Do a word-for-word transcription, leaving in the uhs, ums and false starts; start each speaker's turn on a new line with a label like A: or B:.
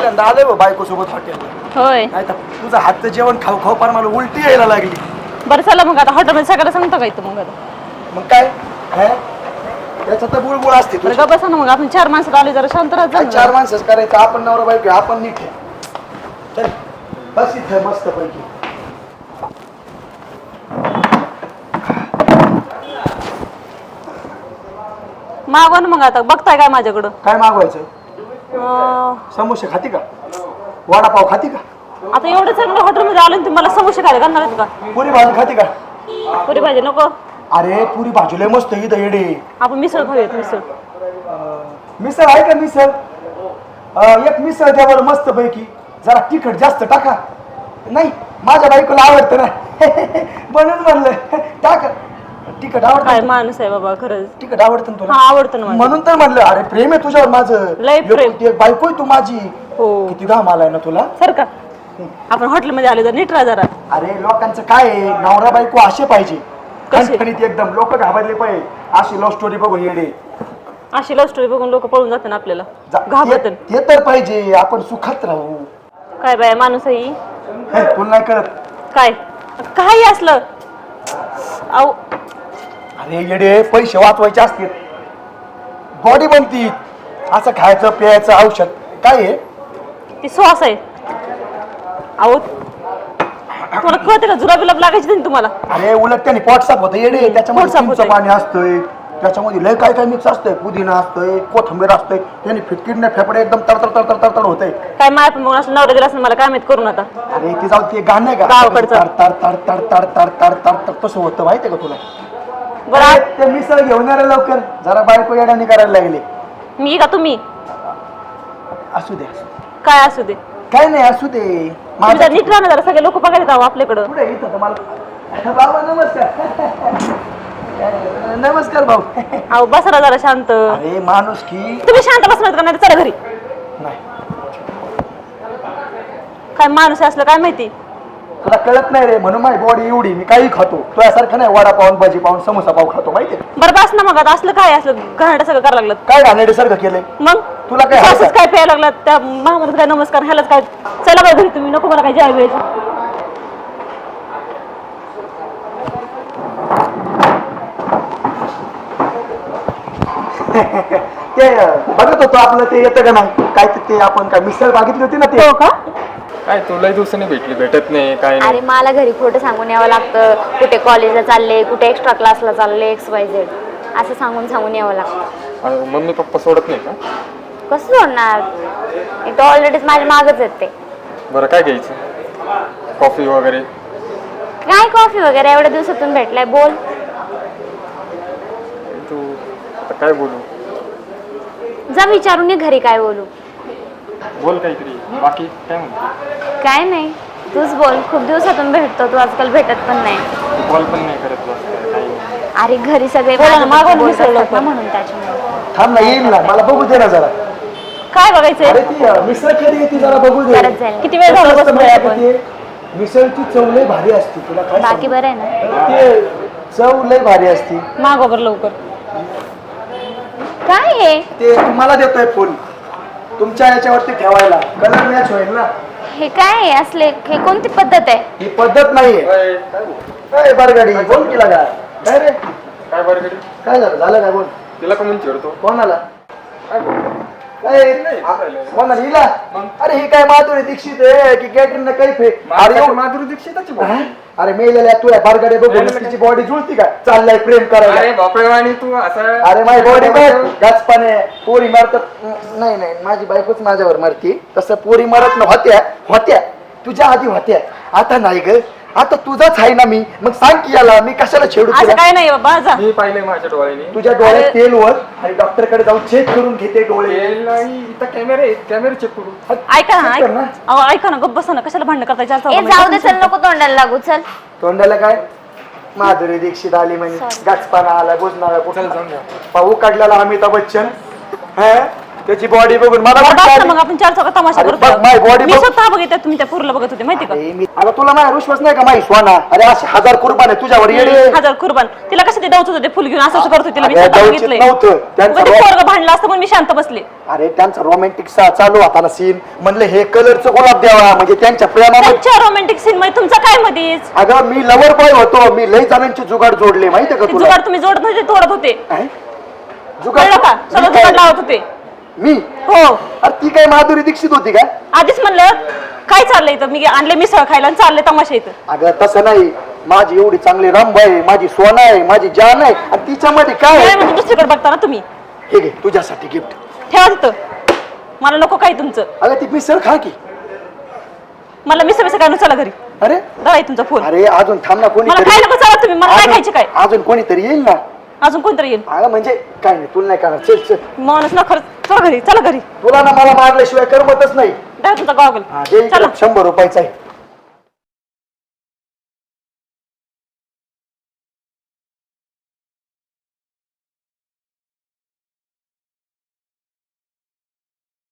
A: पहिल्यांदा आलोय बा बायको सोबत हॉटेलला.
B: होय.
A: नाही तर तुझं हातचं जेवण खाऊ खाऊ पार मला उलटी यायला लागली.
B: बरं चला मग आता हॉटेलमध्ये सगळ्याला सांगतो काय तू मग आता.
A: मग काय त्याच्यात तर बुळबुळ असते.
B: बरं का बसा ना मग आपण चार माणसात आले जरा शांत राहत जा.
A: चार माणसंच करायचं आपण नवरा बायको आपण नीट आहे. चल बस इथं मस्त पैकी.
B: मागवा ना मग आता बघताय काय माझ्याकडं.
A: काय मागवायचं?
B: अं,
A: समोसे खाती का? वडापाव खाती का?
B: आता एवढं चांगलं हॉटेलमध्ये आलं तुम्ही मला समोसे खायला घालणार आहेत का?
A: पुरी भाजी खाती का?
B: पुरी भाजी नको.
A: अरे पुरी भाजी लय मस्त इथं येडे.
B: आपण मिसळ खाऊयात मिसळ.
A: मिसळ आहे का मिसळ? एक मिसळ द्या बरं मस्त पैकी. जरा तिखट जास्त टाका. नाही माझ्या बायकोला आवडतं ना म्हणून म्हणलं टाका. तिखट
B: काय
A: आवडतं?
B: माणूस आहे बाबा खरंच.
A: तिखट आवडतं ना तुला?
B: हा आवडतं ना मला.
A: म्हणून तर म्हणलं अरे प्रेम आहे तुझ्यावर माझं.
B: लय प्रेम.
A: एकुलती एक बायको आहे तू माझी.
B: हो.
A: किती घाम आलाय ना तुला.
B: सर का आपण हॉटेलमध्ये आले तर नीट राहा जरा.
A: अरे लोकांचं काय आहे नवरा बायको असे पाहिजे
B: कसे?
A: खणखणीत एकदम. लोक घाबरले पाहिजे अशी लव्ह स्टोरी बघून येडे.
B: अशी लव्ह स्टोरी बघून लोक पळून जातात आपल्याला
A: जा-
B: घाबरतात.
A: ते ते तर पाहिजे आपण सुखात राहू.
B: काय बाय माणूस आहे ही?
A: हे, तुला नाही कळत.
B: काय काही असलं अहो
A: अरे येडे पैसे वाचवायचे असतील बॉडी बनती. असं खायचं प्यायचं औषध काय आहे?
B: ती श्वास आहे. अहो तुम्हाला कळते का जुलाब बिलाब लागायची नाही तुम्हाला.
A: अरे उलट त्याने पोट साफ होतं येडे.
B: पोट
A: त्याच्यामध्ये
B: साफ
A: चिंच
B: होतंय.
A: पाणी असतंय. त्याच्यामध्ये लय काय काय मिक्स असतंय. पुदिना असतंय कोथिंबीर असतंय. त्याने फिटकिडने फेफडे एकदम तडतड तडतड तडतड होतंय.
B: काय माय पण बघून असं नवरा दिला असं मला काय माहित करून आता.
A: अरे ते जाऊ ते गाणं आहे का
B: गावाकडचं.
A: तड तड तड तड तड तड तड तड तड तसं होतं माहितीये का तुला?
B: बरं
A: अरे,
B: आ-
A: ते मिसळ घेऊन ये रे लवकर. जरा बायको येड्याने करायला लागले.
B: मी का तुम्ही
A: असू दे
B: काय असू दे
A: काय नाही असू दे.
B: तुम्ही
A: माझं
B: जरा नीट राहणार जरा सगळे लोक बघायला जावं आपल्याकडं.
A: पुढे इथं तर मला बाबा नमस्कार. नमस्कार भाऊ.
B: अहो बसा जरा शांत.
A: अरे माणूस की
B: तुम्ही शांत बसणार का नाही तर चला घरी.
A: नाही
B: काय माणूस आहे असलं काय माहिती.
A: तुला कळत नाही रे म्हणून माझी बॉडी एवढी. मी काही खातो तुझ्यासारखं नाही. वडा पाऊन भाजी पाऊन समोसा पाव खातो माहितीये.
B: बरं बस ना मग आता असलं काय असलं घराडं सगळं करायला लागलं.
A: काय घाणेरडे सारखं केलंय.
B: मग
A: तुला काय
B: असंच
A: हवंय?
B: काय प्यायला लागला त्या महामारीत काय नमस्कार ह्यालाच काय. चला बरं घरी तुम्ही नको मला काय जेवायला वेळेचं.
A: ते बघत होतो आपलं ते येतं का नाही काय ते- ते आपण काय मिसळ मागितली होती ना ते.
B: हो का
C: काय तुलाही दिवसांनी भेटली भेटत नाही काय
D: अरे
C: नाही.
D: मला घरी खोटं सांगून यावं लागतं. कुठे कॉलेजला चालले कुठे एक्स्ट्रा क्लासला चालले एक्स वाय झेड असं सांगून सांगून यावं लागतं.
C: अरे मम्मी पप्पा सोडत नाही का?
D: कसं सोडणार. एक तर ऑलरेडीच माझ्या मागच आहेत ते.
C: बरं काय घ्यायचं कॉफी वगैरे?
D: काय कॉफी वगैरे एवढ्या दिवसातून भेटलाय बोल.
C: तू आता काय बोलू?
D: जा विचारून ये घरी काय बोलू.
C: बोल काहीतरी. बाकी काय म्हणतो?
D: काय नाही तूच बोल. खूप दिवसातून भेटतो तू आजकाल भेटत पण नाही.
C: तू कॉल पण नाही करत बस काही नाही.
D: अरे घरी सगळे
B: बोला ना,
D: माझ्याबद्दल
B: मागवा ना
D: बोलत
B: मिसळ
D: असतात ना
B: लवकर.
D: म्हणून त्याच्यामुळे.
A: थांब ना येईल ना मला बघू दे ना जरा.
B: काय बघायचंय.
A: अरे ती अं, मिसळ केली ती जरा बघू दे.
D: करत जाईल.
B: किती वेळ झाला
A: कसं असतं
B: बसलोय
A: माहिती
B: आपण.
A: आहे का ते? मिसळची चव लय भारी असते. तुला काय
D: बाकी
A: सांगू?
D: बरं आहे ना.
A: ते चव लय भारी असते.
B: मागवा बरं लवकर.
D: काय आहे
A: ते तुम्हाला देतोय फोन तुमच्या याच्यावरती ठेवायला कलर मॅच होईल ना.
D: हे काय आहे असले हे कोणती पद्धत आहे.
A: ही पद्धत नाहीये.
C: अय, काय बोल?
A: काय बरगाडी बोल केला का काय रे
C: काय बरं घरी?
A: काय झालं झालं काय बोल.
C: तिला का म्हणून चिडतो?
A: कोणाला
C: काय बोल?
A: काय
C: नाही, चालेल.
A: कोणाला हिला.
C: मग?
A: अरे ही काय माधुरी दीक्षित आहे की कॅटरीना कैफ आहे. अरे
C: अरे
A: एवढं-
C: माधुरी दीक्षितच बोल.
A: हा? अरे मेलेल्या तुला बारगाडे बघून
C: मेलेलं
A: तिची बॉडी जुळती का चाललाय प्रेम करायला.
C: अरे बापरे आणि तू असं
A: अरे माझी बॉडी बघ गचपाने पोरी मारतात. नाही नाही माझी बायकोच माझ्यावर मारती. तसं पोरी मारत न होत्या होत्या तुझ्या आधी होत्या आता नाही ग. आता तुझाच आहे ना मी. मग सांग की याला मी कशाला छेडू
B: असं
A: तुला.
B: काय नाही बाबा जा.
C: मी पाहिले माझ्या डोळ्याने.
A: तुझ्या डोळ्यात
B: अरे-
A: तेल वर आणि डॉक्टर कडे जाऊन चेक करून घेते डोळे.
C: तेल आणि इथं कॅमेरे आहेत कॅमेरे चेक करू.
B: ऐका ना
A: check कर ना.
B: ऐक- अहो, ऐका ना गप्प बसा ना कशाला भांडण करता जास्त.
D: ए जाऊ दे चल नको तोंडाला लागू चल.
A: तोंडाला काय माधुरी दीक्षित आली म्हणजे गाचपाना आला बुजणारा
C: चल
A: कुठला
C: जाऊन द्या.
A: पाहू काढलेला अमिताभ बच्चन. हा? त्याची बॉडी बघून मला
B: बरं,
A: वाटतं
B: बस ना
A: आधी-
B: मग आपण चार चौकात तमाशा
A: अरे
B: करतो
A: बघ, माझी body
B: मी
A: बघ.
B: स्वतः बघितलं तुम्ही त्या पूरला बघत होते माहिती का
A: अरे मी- आता तुला माझा विश्वास नाही का माही स्वाना अरे असे हजार कुर्बान आहे तुझ्यावर येडे
B: हजार कुर्बान तिला कसं ते डावत होते फुल घेऊन असं असं करत होते तिला मी
A: अगं,
B: स्वतः
A: डावचित
B: बघितलंय
A: नव्हतं. त्यांचं
B: उगाच ते
A: रो-
B: पोरगं भांडलं असतं पण मी शांत बसले
A: अरे त्यांचा रोमॅन्टिक चालू होता ना सीन म्हणलं हे कलरचं गुलाब द्यावा म्हणजे त्यांच्या प्रेमामध्ये
B: त्यांच्या रोमॅन्टिक सीन मध्ये तुमचं काय मध्येच
A: अगं मी लवर बॉय होतो मी लई जणांचे जुगाड जोडले माहितीये का
B: ते
A: तुला
B: जुगाड तुम्ही जोडत नव्हते तोडत होते
A: काय?
B: कळलं का
A: मी
B: सगळं
A: काय?
B: जुगाड लावत होते
A: मी
B: हो
A: अरे ती काय माधुरी दीक्षित होती का
B: आधीच म्हणलं काय चाललंय इथं मी आणले मिसळ खायला आणि चालले तमाशा इथं
A: अगं तसं नाही माझी एवढी चांगली रामबाई आहे माझी सोना आहे माझी जान आहे आणि तिच्यामध्ये काय
B: काय
A: आहे?
B: म्हणजे दुसरीकडे बघता ना तुम्ही
A: हे घे तुझ्यासाठी गिफ्ट
B: ठेवा तिथं मला नको काही तुमचं
A: अगं ती मिसळ खा की
B: मला मिसळ मिसळ काय चला घरी
A: अरे
B: दादा तुमचा फोन
A: अरे अजून थांब ना
B: मला काय नको चला तुम्ही मला काय खायचे काय
A: अजून कोणीतरी येईल ना
B: अजून कोणतरी येईल
A: अगं म्हणजे काय नाही तुला नाही करणार चल चल
B: माणूस ना खरंच चला घरी चला घरी
A: तुला ना मला मारल्याशिवाय करमतच नाही
B: द्या तुमचा गॉगल
A: हा, दे इकडे
B: चला
A: शंभर रुपयाचा आहे